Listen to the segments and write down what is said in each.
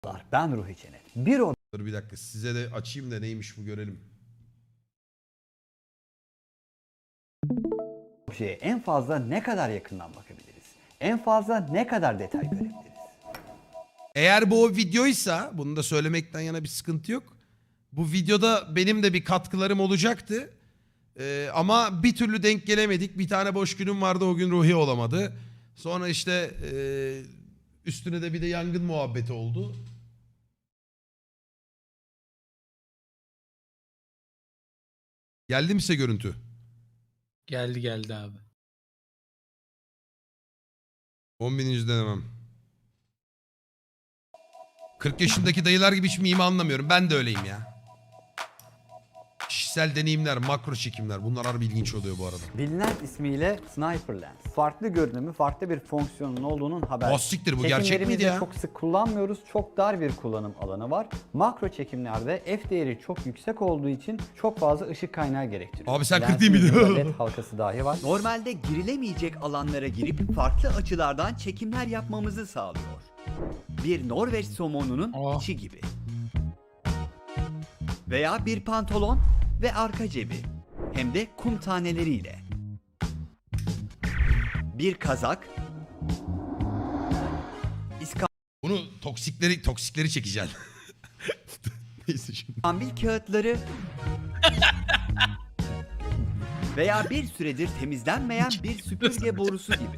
Ben Ruhi Cennet. Bir Dur bir dakika size de açayım da neymiş bu görelim. objeye en fazla ne kadar yakından bakabiliriz? En fazla ne kadar detay görebiliriz? Eğer bu o videoysa, bunu da söylemekten yana bir sıkıntı yok. Bu videoda benim de bir katkılarım olacaktı. Ama bir türlü denk gelemedik. Bir tane boş günüm vardı, o gün Ruhi olamadı. Sonra işte üstüne de bir de yangın muhabbeti oldu. Geldi mi size görüntü? Geldi abi. 10.000. denemem. 40 yaşındaki dayılar gibi hiç mimi anlamıyorum. Ben de öyleyim ya. Kişisel deneyimler, makro çekimler. Bunlar harbi ilginç oluyor bu arada. Bilinen ismiyle Sniper Lens. Farklı görünümü, farklı bir fonksiyonun olduğunun haberi. Siktir, bu gerçek miydi ya? Çok sık kullanmıyoruz. Çok dar bir kullanım alanı var. Makro çekimlerde f değeri çok yüksek olduğu için çok fazla ışık kaynağı gerektiriyor. Abi sen 40 Lensin değil miydin? ucunda LED halkası dahi var. Normalde girilemeyecek alanlara girip farklı açılardan çekimler yapmamızı sağlıyor. Bir Norveç somonunun içi gibi. Veya bir pantolon ve arka cebi. Hem de kum taneleriyle. Bir kazak. Bunu toksikleri çekeceksin. Neyse şimdi. İskambil kağıtları. Veya bir süredir temizlenmeyen bir süpürge borusu gibi.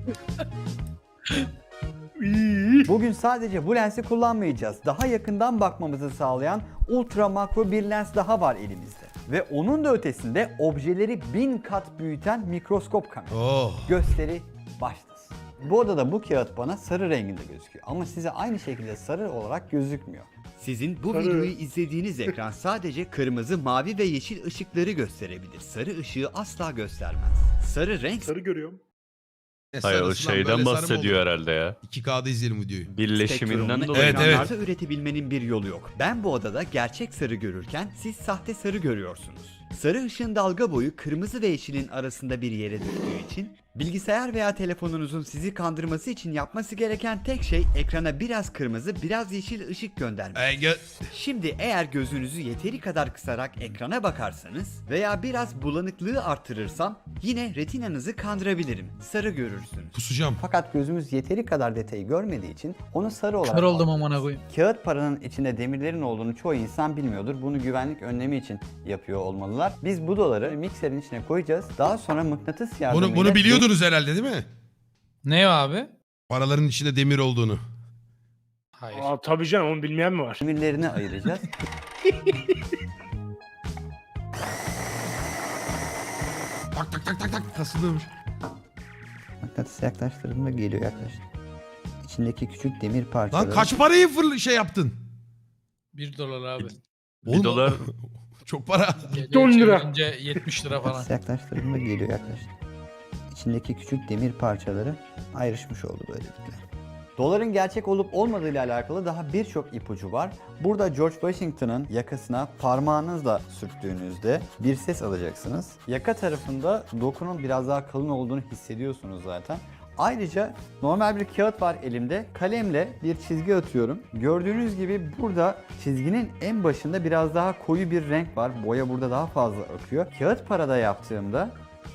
Bugün sadece bu lensi kullanmayacağız. Daha yakından bakmamızı sağlayan ultra makro bir lens daha var elimizde. Ve onun da ötesinde objeleri 1000 kat büyüten mikroskop kamera. Oh. Gösteri başlasın. Bu odada bu kağıt bana sarı renginde gözüküyor ama size aynı şekilde sarı olarak gözükmüyor. Sizin bu videoyu izlediğiniz ekran sadece kırmızı, mavi ve yeşil ışıkları gösterebilir. Sarı ışığı asla göstermez. Sarı renk Sarı görüyorum. Sarısı Hayır o lan, şeyden böyle sarı mı bahsediyor olur? herhalde ya. 2K'da izleyelim videoyu. Birleşiminden spektrumunu dolayı. Evet, ekranlarda üretebilmenin bir yolu yok. Ben bu odada gerçek sarı görürken siz sahte sarı görüyorsunuz. Sarı ışığın dalga boyu kırmızı ve yeşilin arasında bir yere düştüğü için bilgisayar veya telefonunuzun sizi kandırması için yapması gereken tek şey ekrana biraz kırmızı, biraz yeşil ışık göndermek. Şimdi eğer gözünüzü yeteri kadar kısarak ekrana bakarsanız veya biraz bulanıklığı arttırırsam yine retinanızı kandırabilirim. Sarı görürsünüz. Kusacağım. Fakat gözümüz yeteri kadar detayı görmediği için onu sarı olarak Kör oldum algılıyoruz. amına koyayım. Kağıt paranın içinde demirlerin olduğunu çoğu insan bilmiyordur. Bunu güvenlik önlemi için yapıyor olmalılar. Biz bu doları mikserin içine koyacağız. Daha sonra mıknatıs yardımıyla... Bunu biliyordunuz herhalde değil mi? Ne o abi? Paraların içinde demir olduğunu. Hayır. Aa tabii canım, onu bilmeyen mi var? Demirlerini ayıracağız. Tak tak tak tak tak kasılıyormuş. Mıknatıs yaklaştırdığımda geliyor yaklaştı. İçindeki küçük demir parçaları... Lan kaç parayı şey yaptın? 1 dolar abi. Oğlum, dolar- çok para. 10 lira. Çevirince 70 lira falan. Mıknatıs yaklaştırdığımda geliyor yaklaştı. İçindeki küçük demir parçaları ayrışmış oldu böylelikle. Doların gerçek olup olmadığıyla alakalı daha birçok ipucu var. Burada George Washington'ın yakasına parmağınızla sürttüğünüzde bir ses alacaksınız. Yaka tarafında dokunun biraz daha kalın olduğunu hissediyorsunuz zaten. Ayrıca normal bir kağıt var elimde. Kalemle bir çizgi atıyorum. Gördüğünüz gibi burada çizginin en başında biraz daha koyu bir renk var. Boya burada daha fazla akıyor. Kağıt parada yaptığımda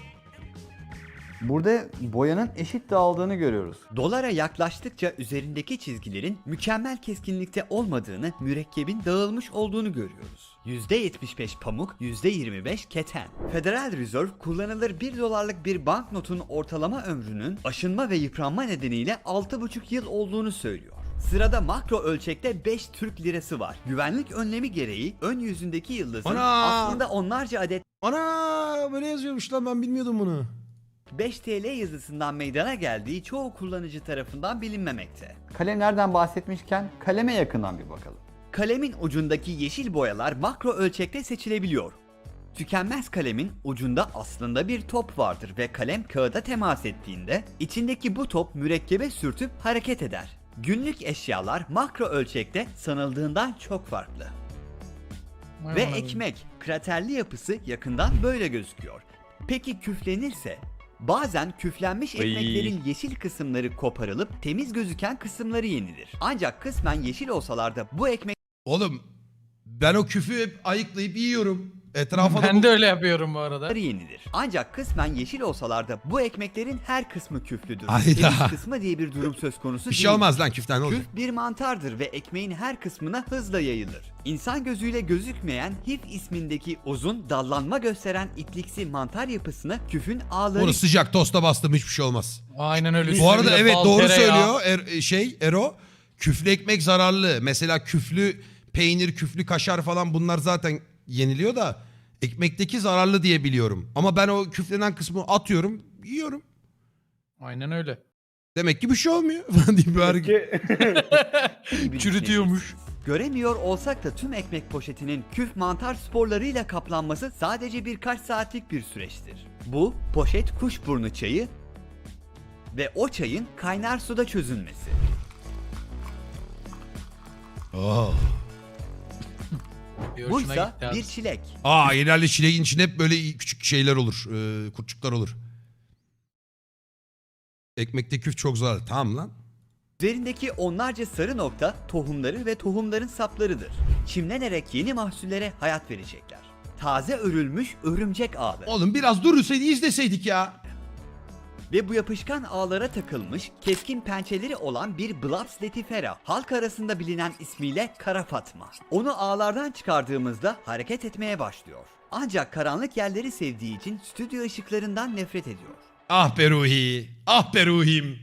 burada boyanın eşit dağıldığını görüyoruz. Dolara yaklaştıkça üzerindeki çizgilerin mükemmel keskinlikte olmadığını, mürekkebin dağılmış olduğunu görüyoruz. %75 pamuk, %25 keten. Federal Reserve kullanılır 1 dolarlık bir banknotun ortalama ömrünün aşınma ve yıpranma nedeniyle 6,5 yıl olduğunu söylüyor. Sırada makro ölçekte 5 Türk lirası var. Güvenlik önlemi gereği ön yüzündeki yıldızın Ana! aslında onlarca adet Ana böyle yazıyormuş lan, ben bilmiyordum bunu. 5 TL yazısından meydana geldiği çoğu kullanıcı tarafından bilinmemekte. Kalemlerden bahsetmişken kaleme yakından bir bakalım. Kalemin ucundaki yeşil boyalar makro ölçekte seçilebiliyor. Tükenmez kalemin ucunda aslında bir top vardır ve kalem kağıda temas ettiğinde içindeki bu top mürekkebe sürtüp hareket eder. Günlük eşyalar makro ölçekte sanıldığından çok farklı. Vay Ve amına koyayım. ekmek, kraterli yapısı yakından böyle gözüküyor. Peki küflenirse? Bazen küflenmiş ekmeklerin yeşil kısımları koparılıp temiz gözüken kısımları yenilir. Ancak kısmen yeşil olsalar da bu ekmeklerin Oğlum ben o küfü hep ayıklayıp yiyorum. Etrafa da Ben de öyle yapıyorum bu arada. yenilir. Ancak kısmen yeşil olsalar da bu ekmeklerin her kısmı küflüdür. Hayda. Temiz kısmı diye bir durum söz konusu bir şey değil. olmaz lan küften ne olacak? Küf bir mantardır ve ekmeğin her kısmına hızla yayılır. İnsan gözüyle gözükmeyen hif ismindeki uzun, dallanma gösteren ipliksi mantar yapısına küfün ağları Onu sıcak tosta bastım hiçbir şey olmaz. Aynen öyle. Bu arada Üstüne evet bal, doğru tereyağı. söylüyor Ero. Küflü ekmek zararlı. Mesela küflü peynir, küflü kaşar falan bunlar zaten yeniliyor da ekmekteki zararlı diye biliyorum. Ama ben o küflenen kısmı atıyorum, yiyorum. Aynen öyle. Demek ki bir şey olmuyor falan diye bir hareket. gibi Çürütüyormuş. düşünebilirsiniz. Göremiyor olsak da tüm ekmek poşetinin küf mantar sporlarıyla kaplanması sadece birkaç saatlik bir süreçtir. Bu poşet kuşburnu çayı ve o çayın kaynar suda çözünmesi. Oh. Bir hoşuna Buysa gitti abi. bir çilek. Genelde çileğin içinde hep böyle küçük şeyler olur. Kurtçuklar olur. Ekmekte küf çok zararlı. Tamam lan. Üzerindeki onlarca sarı nokta tohumları ve tohumların saplarıdır. Çimlenerek yeni mahsullere hayat verecekler. Taze örülmüş örümcek ağları. Oğlum biraz durursaydı izleseydik ya. Ve bu yapışkan ağlara takılmış, keskin pençeleri olan bir Blaps letifera, halk arasında bilinen ismiyle Kara Fatma. Onu ağlardan çıkardığımızda hareket etmeye başlıyor. Ancak karanlık yerleri sevdiği için stüdyo ışıklarından nefret ediyor. Ah be Ruhi. Ah be Ruhim.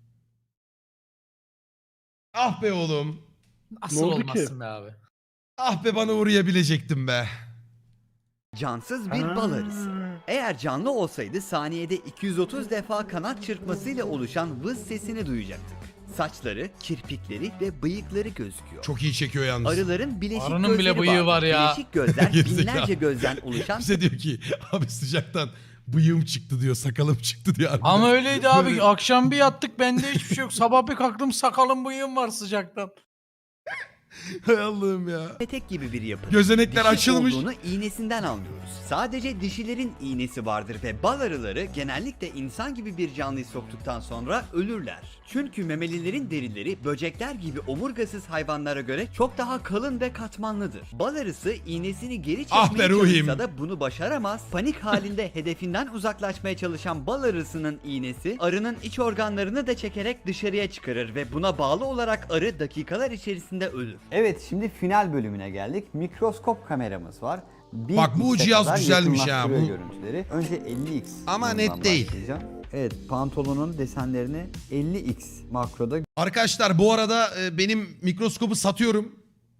Ah be oğlum. Nasıl Ne oldu olmasın be abi? Ah be bana uğrayabilecektim be. Cansız bir bal arısı. Eğer canlı olsaydı saniyede 230 defa kanat çırpmasıyla oluşan vız sesini duyacaktık. Saçları, kirpikleri ve bıyıkları gözüküyor. Çok iyi çekiyor yalnız. Arıların bileşik Arının gözleri bile bıyığı var ya. Bileşik gözler Gerizekalı. binlerce gözden oluşan Bize diyor ki abi sıcaktan bıyığım çıktı diyor, sakalım çıktı diyor. harbiden. Ama öyleydi abi. Böyle- Akşam bir yattık bende hiçbir şey yok. Sabah bir kalktım sakalım bıyığım var sıcaktan. Hay Allah'ım ya. petek gibi bir yapı. Gözenekler Dişi açılmış. olduğunu iğnesinden anlıyoruz. Sadece dişilerin iğnesi vardır ve bal arıları genellikle insan gibi bir canlıyı soktuktan sonra ölürler. Çünkü memelilerin derileri böcekler gibi omurgasız hayvanlara göre çok daha kalın ve katmanlıdır. Bal arısı iğnesini geri Ah çekmeye be ruhim. çalışsa da bunu başaramaz. Panik halinde hedefinden uzaklaşmaya çalışan bal arısının iğnesi arının iç organlarını da çekerek dışarıya çıkarır ve buna bağlı olarak arı dakikalar içerisinde ölür. Evet, şimdi final bölümüne geldik. Mikroskop kameramız var. Bak, bu 1x'e cihaz kadar güzelmiş ya. yakınlaştırıyor Bu- görüntüleri. Önce 50x. Ama bundan net değil. başlayacağım. Evet, pantolonun desenlerini 50x makroda Arkadaşlar bu arada benim mikroskopu satıyorum.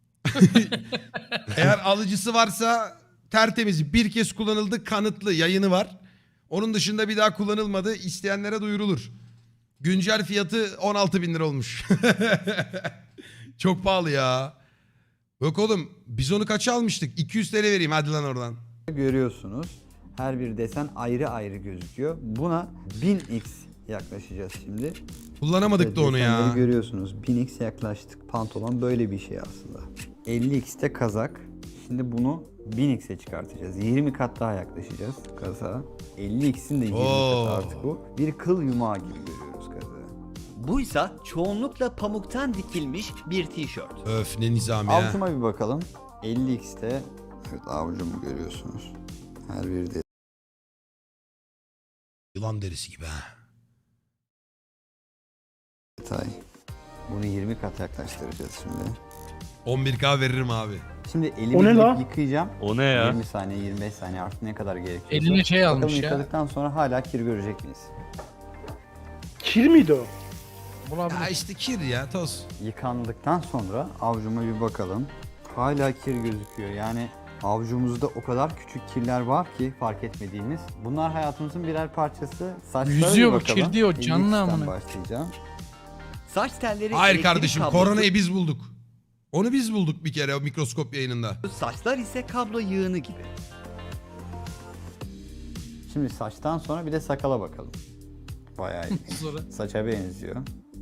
Eğer alıcısı varsa tertemiz, bir kez kullanıldı, kanıtlı yayını var. Onun dışında bir daha kullanılmadı, isteyenlere duyurulur. Güncel fiyatı 16.000 lira olmuş. Çok pahalı ya. Yok oğlum biz onu kaça almıştık? 200 TL vereyim hadi lan oradan. görüyorsunuz. Her bir desen ayrı ayrı gözüküyor. Buna 1000x yaklaşacağız şimdi. Kullanamadık da onu ya. Desenleri görüyorsunuz. 1000x yaklaştık. Pantolon böyle bir şey aslında. 50x de kazak. Şimdi bunu 1000x'e çıkartacağız. 20 kat daha yaklaşacağız kazağa. 50x'in de 20 Oo. katı artık bu. Bir kıl yumağı gibi görüyoruz kazağı. Buysa çoğunlukla pamuktan dikilmiş bir tişört. Öf ne nizam ya. Avucuma bir bakalım. 50x'te evet avucumu görüyorsunuz. Her bir Yılan derisi gibi ha. detay. Bunu 20 kat yaklaştıracağız şimdi. 11K veririm abi. Şimdi elimi O ne gidip la? yıkayacağım. O ne ya? 20 saniye, 25 saniye artık ne kadar gerekiyorsa. Eline şey Bakalım almış ya. yıkadıktan sonra hala kir görecek miyiz? Kir miydi o? Bulabilir. Ya işte kir ya toz. Yıkandıktan sonra avucuma bir bakalım. Hala kir gözüküyor. Yani avucumuzda o kadar küçük kirler var ki fark etmediğimiz. Bunlar hayatımızın birer parçası. Saçlara Yüzüyor bir bu, bakalım. kir diyor, canlı 50x'ten amına. başlayacağım. Saç telleri, Hayır elektrik kardeşim kablosu- koronayı biz bulduk. Onu biz bulduk bir kere o mikroskop yayınında. Saçlar ise kablo yığını gibi. Şimdi saçtan sonra bir de sakala bakalım. Bayağı iyi. Sonra. Saça benziyor.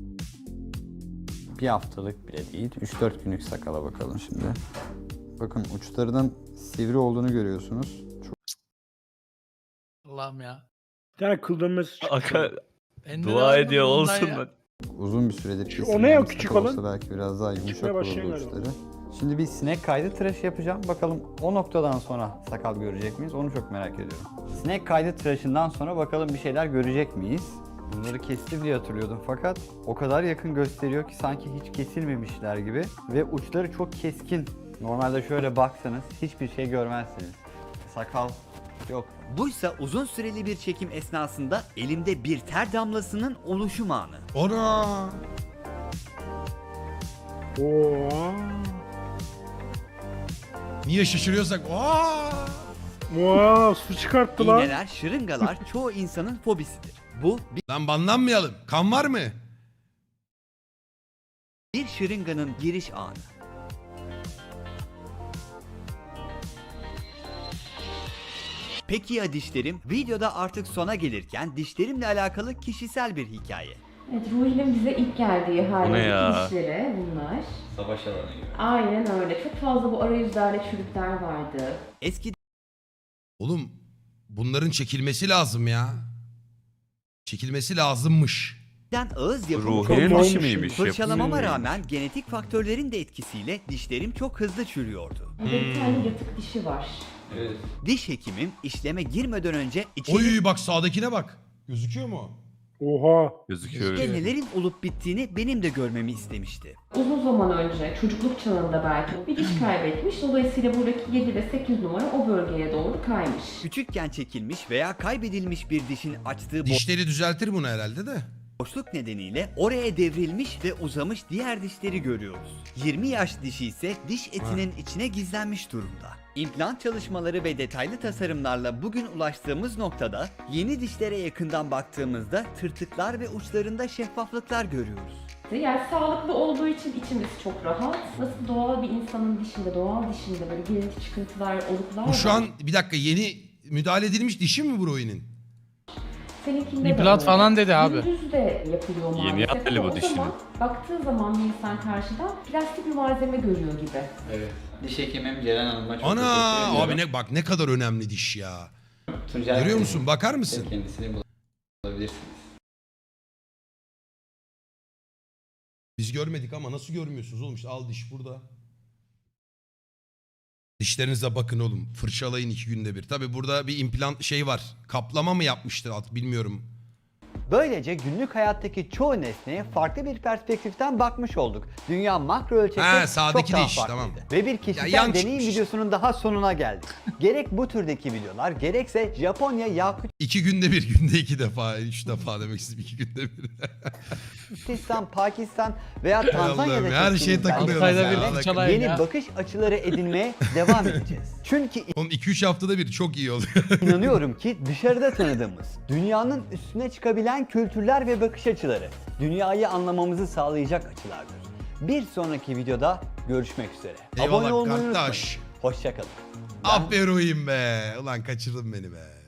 Bir haftalık bile değil. 3-4 günlük sakala bakalım şimdi. Bakın uçlarının sivri olduğunu görüyorsunuz. Çok Allah'ım ya. Bir tane kıl dönmesi çıktı. Aka Ben de dua lazım ediyor bundan olsun ya. lan. Uzun bir süredir o kesilmeyen ne ya, bir küçük sakal olan? olsa belki biraz daha yumuşak Çıkmaya olurdu başlayan galiba. uçları. Şimdi bir sinek kaydı tıraşı yapacağım. Bakalım o noktadan sonra sakal görecek miyiz? Onu çok merak ediyorum. Sinek kaydı tıraşından sonra bakalım bir şeyler görecek miyiz? Bunları kesti diye hatırlıyordum fakat o kadar yakın gösteriyor ki sanki hiç kesilmemişler gibi ve uçları çok keskin. Normalde şöyle baksanız hiçbir şey görmezsiniz. Sakal yok. Buysa uzun süreli bir çekim esnasında elimde bir ter damlasının oluşum anı. Ona. Oo. Niye şaşırıyorsak? Aa! Wow, su çıkarttı lan. İğneler, şırıngalar çoğu insanın fobisidir. Bu Lan banlanmayalım. Kan var mı? bir şırınganın giriş anı. Peki ya dişlerim? Videoda artık sona gelirken dişlerimle alakalı kişisel bir hikaye. Evet, Ruhi'nin bize ilk geldiği Bu ne ya? haldeki dişleri bunlar. Savaş alanı gibi. Aynen öyle. Çok fazla bu arayüzlerde çürükler vardı. Eskiden Oğlum bunların çekilmesi lazım ya. Çekilmesi lazımmış. ağız yapımı Ruhi'nin Çok dişi olmuş. miymiş? fırçalamama Yapımı rağmen genetik faktörlerin de etkisiyle dişlerim çok hızlı çürüyordu. Burada bir tane yatık dişi var. Diş hekimim işleme girmeden önce içeri Oy bak sağdakine bak. Gözüküyor mu? Oha. gözüküyor. nelerin olup bittiğini benim de görmemi istemişti. Uzun zaman önce, çocukluk çağında belki bir diş kaybetmiş. Dolayısıyla buradaki 7 ve 8 numara o bölgeye doğru kaymış. Küçükken çekilmiş veya kaybedilmiş bir dişin açtığı Dişleri düzeltir bunu herhalde de. boşluk nedeniyle oraya devrilmiş ve uzamış diğer dişleri görüyoruz. 20 yaş dişi ise diş etinin içine gizlenmiş durumda. İmplant çalışmaları ve detaylı tasarımlarla bugün ulaştığımız noktada yeni dişlere yakından baktığımızda tırtıklar ve uçlarında şeffaflıklar görüyoruz. Yani sağlıklı olduğu için içimiz çok rahat. Nasıl doğal bir insanın dişinde, doğal dişinde böyle girinti çıkıntılar, oluklar Bu şu var. an bir dakika yeni müdahale edilmiş dişi mi bu Ruhi'nin? Seninkinde İmplant öyle. falan dedi abi. Gündüz de yapılıyor maalesef. Yeni yapmalı bu Ama o dişini. zaman baktığı zaman bir insan karşıdan plastik bir malzeme görüyor gibi. Evet. Diş hekimim Ceren Hanım'a çok Ana teşekkür ediyorum. abi ne bak ne kadar önemli diş ya. Tuncay Görüyor Bey, musun? Bakar mısın? kendisini bulabilirsiniz. Biz görmedik ama nasıl görmüyorsunuz oğlum? İşte al diş burada. Dişlerinize bakın oğlum. Fırçalayın 2 günde bir. Tabi burada bir implant şey var. Kaplama mı yapmıştır artık bilmiyorum. Böylece günlük hayattaki çoğu nesneye farklı bir perspektiften bakmış olduk. Dünya makro ölçekte Ha, çok sağdaki daha diş, farklıydı. tamam. Ve bir Ya, kişisel yan deneyim çıkmış. videosunun daha sonuna geldik. Gerek bu türdeki videolar gerekse Japonya, 2 günde bir, günde 2 defa, 3 defa demek istedim 2 günde bir. Yakutistan'dan, Pakistan veya Allah'ım, Tanzanya'da her şeye çektiğimiz takılıyoruz Altayda belgesellerle bir fırçalayın yeni ya. bakış açıları edinmeye devam edeceğiz. Çünkü Oğlum 2-3 haftada bir çok iyi oluyor. İnanıyorum ki dışarıda tanıdığımız, dünyanın üstüne çıkabilen kültürler ve bakış açıları, dünyayı anlamamızı sağlayacak açılardır. Bir sonraki videoda görüşmek üzere. Eyvallah Abone olmayı kardeş. unutmayın. Hoşçakalın. Aferin be. Ulan kaçırdın beni be.